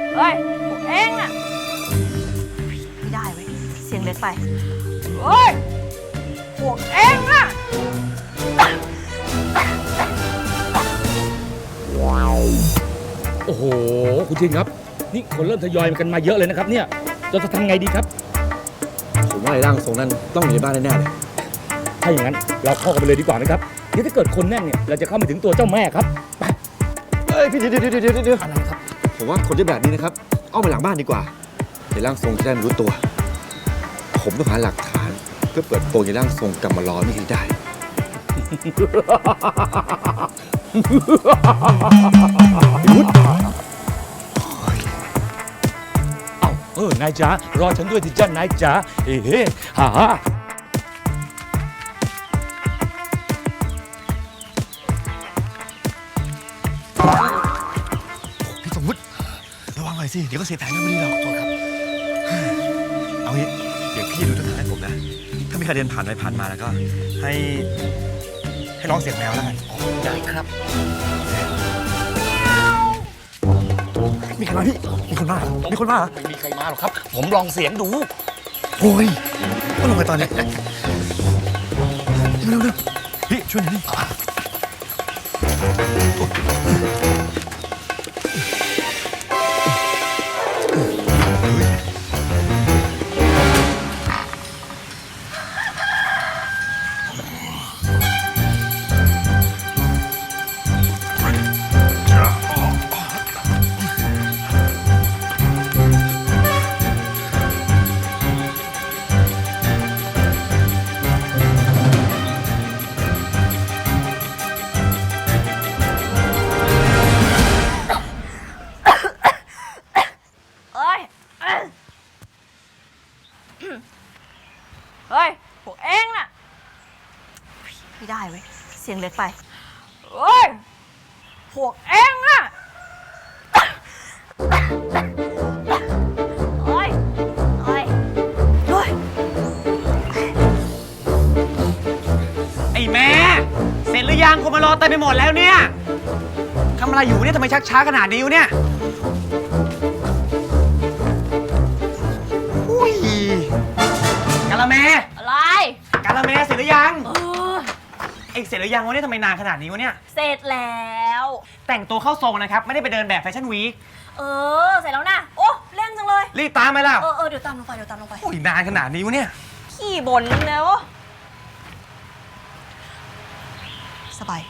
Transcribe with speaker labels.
Speaker 1: เฮ้ยพวกเองน่ะไม่ได้เว้ยเสียงเล็กไปเฮ้ยพวกเองน่ะ
Speaker 2: โอ้โหคุณชินครับนี่คนเริ่มทยอยกันมาเยอะเลยนะครับเนี่ยเราจะทำไงดีครับ
Speaker 3: ผมว่าไอ้ร่างทรงนั้นต้องอยู่ในบ้านแน่ๆเลย
Speaker 2: ถ้าอย่างนั้นเราเข้ากันไปเลยดีกว่าไหมครับเดี๋ยวถ้าเกิดคนแน่นเนี่ยเราจะเข้าไปถึงตัวเจ้าแม่ครับไป
Speaker 3: เฮ้ยพี่เดี๋ยว
Speaker 2: อะไรครับ
Speaker 3: ผมว่าคนที่แบบนี้นะครับเอาไปหลังบ้านดีกว่าไอ้ร่างทรงจะได้ไม่รู้ตัวผมต้องหาหลักฐานเพื่อเปิดโปงไอ้ร่างทรงกลับมาล้อนี่ให้ได้
Speaker 2: วุฒินายจ๋ารอฉันด้วยที่จ้านายจ๋าเฮ้ฮ่า
Speaker 3: พี่สมมุติระวังหน่อยสิเดี๋ยวก็เสียแผนกันไม่ดีหรอกโทษครับเอางี้เดี๋ยวพี่ดูทางให้ผมนะถ้ามีใครเดินผ่านไปผ่านมาแล้วก็ให้ร้องเสียงแมวแล้วกันได้ครับมีใครมาพี่มีคนมามีคนมา
Speaker 2: ไม่มีใครมาหรอกครับผมลองเสียงดู
Speaker 3: โอ้ยก็ลงไปตอนนี้เร็วพี่ช่วยหน่อยดิ
Speaker 1: เฮ้ยพวกเองน่ะไม่ได้เว้ยเสียงเล็กไปเฮ้ยพวกเองน่ะเฮ้ย
Speaker 4: ไอ้แม่เสร็จหรือยังคนมารอเต็มไปหมดแล้วเนี่ยทำอะไรอยู่เนี่ยทำไมชักช้าขนาดนี้อยู่เนี่ยอุ้ยกะละแม
Speaker 1: อะไร
Speaker 4: กะละแมเสร็จหรือยังเอ็งเสร็จหรือยังวะเนี่ยทำไมนานขนาดนี้วะเนี่ย
Speaker 1: เสร็จแล้ว
Speaker 4: แต่งตัวเข้าทรงนะครับไม่ได้ไปเดินแบบแฟชั่นวีค
Speaker 1: เสร็จแล้วนะโอ้เร่งจังเลย
Speaker 4: รีบตามไปแล้ว
Speaker 1: เดี๋ยวตามลงไป
Speaker 4: อุ้ยนานขนาดนี้วะเนี่ย
Speaker 1: ขี้บ่นแล้วสบาย